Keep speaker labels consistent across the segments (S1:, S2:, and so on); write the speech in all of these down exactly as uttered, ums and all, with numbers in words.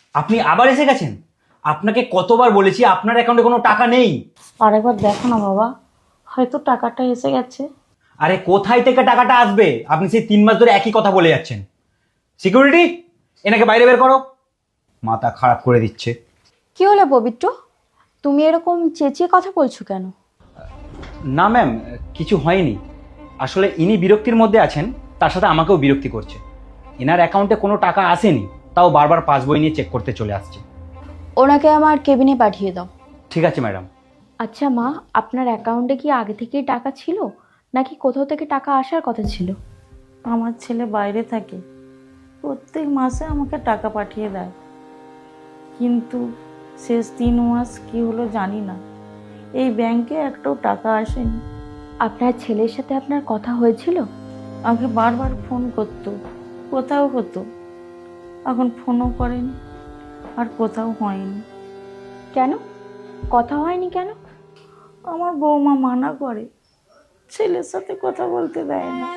S1: আপনি আবার এসে গেছেন? আপনাকে কতবার বলেছি আপনার অ্যাকাউন্টে কোনো টাকা নেই।
S2: আরেকবার দেখো না বাবা, হয়তো টাকাটা এসে গেছে।
S1: আরে কোথায় থেকে টাকাটা আসবে? আপনি সেই তিন মাস ধরে একই কথা বলে যাচ্ছেন। সিকিউরিটি, এনাকে বাইরে বের করো। মাথা খারাপ করে দিচ্ছে।
S3: কি হলো পবিত্র, তুমি এরকম চেঁচিয়ে কথা বলছো কেন?
S1: না ম্যাম, কিছু হয়নি। আসলে ইনি বিরক্তির মধ্যে আছেন, তার সাথে আমাকেও বিরক্তি করছে। এনার অ্যাকাউন্টে কোনো টাকা আসেনি, তাও বারবার পাসবই নিয়ে চেক করতে চলে আসছে।
S3: ওনাকে আমার কেবিনে পাঠিয়ে দাও।
S1: ঠিক আছে ম্যাডাম।
S3: আচ্ছা মা, আপনার অ্যাকাউন্টে কি আগে থেকেই টাকা ছিল, নাকি কোথাও থেকে টাকা আসার কথা ছিল?
S2: আমার ছেলে বাইরে থাকে, প্রত্যেক মাসে আমাকে টাকা পাঠিয়ে দেয়, কিন্তু শেষ তিন মাস কি হলো জানি না, এই ব্যাংকে একটাও টাকা আসেনি।
S3: আপনার ছেলের সাথে আপনার কথা হয়েছিল?
S2: আমাকে বারবার ফোন করতো, কোথাও হতো, এখন ফোনও করেনি আর কোথাও হয়নি।
S3: কেন কথা হয়নি কেন?
S2: আমার বৌমা মানা করে, ছেলের সাথে কথা বলতে দেয় না।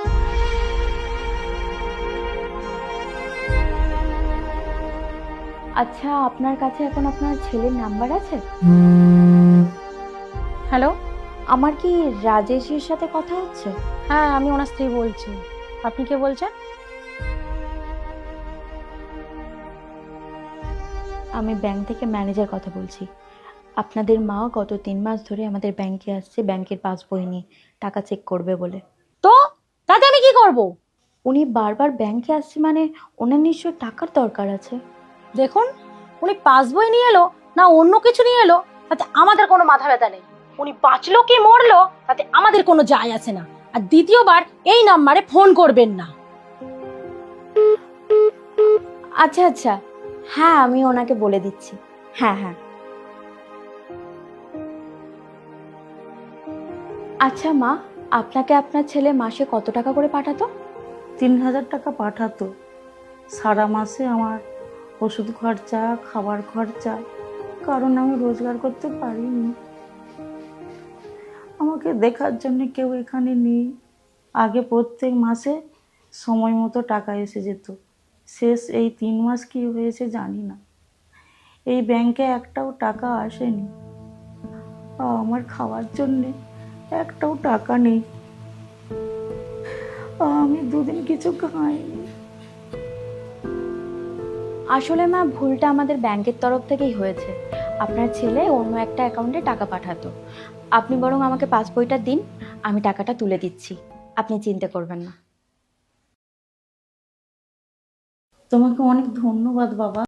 S3: আচ্ছা, আপনার কাছে এখন আপনার ছেলের নাম্বার আছে?
S4: হ্যালো।
S3: আমার কি রাজেশের সাথে কথা হচ্ছে?
S4: হ্যাঁ, আমি ওনার স্ত্রী বলছি। আপনি কে বলছেন?
S3: আমি ব্যাংক থেকে ম্যানেজার কথা বলছি। আপনাদের মা গত তিন মাস ধরে আমাদের ব্যাংকে আসছে ব্যাংকের পাসবই নিয়ে টাকা চেক করবে বলে।
S4: তো তাতে আমি কি করব?
S3: উনি বারবার ব্যাংকে আসছে মানে ওনার নিশ্চয় টাকার দরকার আছে।
S4: দেখুন, উনি পাসবই নিয়ে এলো না অন্য কিছু নিয়ে এলো, তাতে আমাদের কোনো মাথা ব্যথা নেই। উনি বাঁচলো কি মরলো তাতে আমাদের কোনো যায় আসে না। আর দ্বিতীয়বার এই নাম্বারে ফোন করবেন না।
S3: আচ্ছা আচ্ছা, হ্যাঁ আমি ওনাকে বলে দিচ্ছি। হ্যাঁ হ্যাঁ। আচ্ছা মা, আপনাকে আপনার ছেলে মাসে কত টাকা করে পাঠাতো?
S2: তিন হাজার টাকা পাঠাতো। সারা মাসে আমার ওষুধ খরচা, খাবার খরচা, কারণ আমি রোজগার করতে পারিনি। আমাকে দেখার জন্য কেউ এখানে নেই। আগে প্রত্যেক মাসে সময় মতো টাকা এসে যেত, শেষ এই তিন মাস কি হয়েছে জানি না, এই ব্যাংকে একটাও টাকা আসেনি। আমার খাওয়ার জন্যে একটাও টাকা নেই, আমি দুদিন কিছু খাইনি।
S3: আসলে মা, ভুলটা আমাদের ব্যাংকের তরফ থেকেই হয়েছে। আপনার ছেলে অন্য একটা অ্যাকাউন্টে টাকা পাঠাতো। আপনি বরং আমাকে পাসবইটা দিন, আমি টাকাটা তুলে দিচ্ছি, আপনি চিন্তা করবেন না।
S2: তোমাকে অনেক ধন্যবাদ বাবা।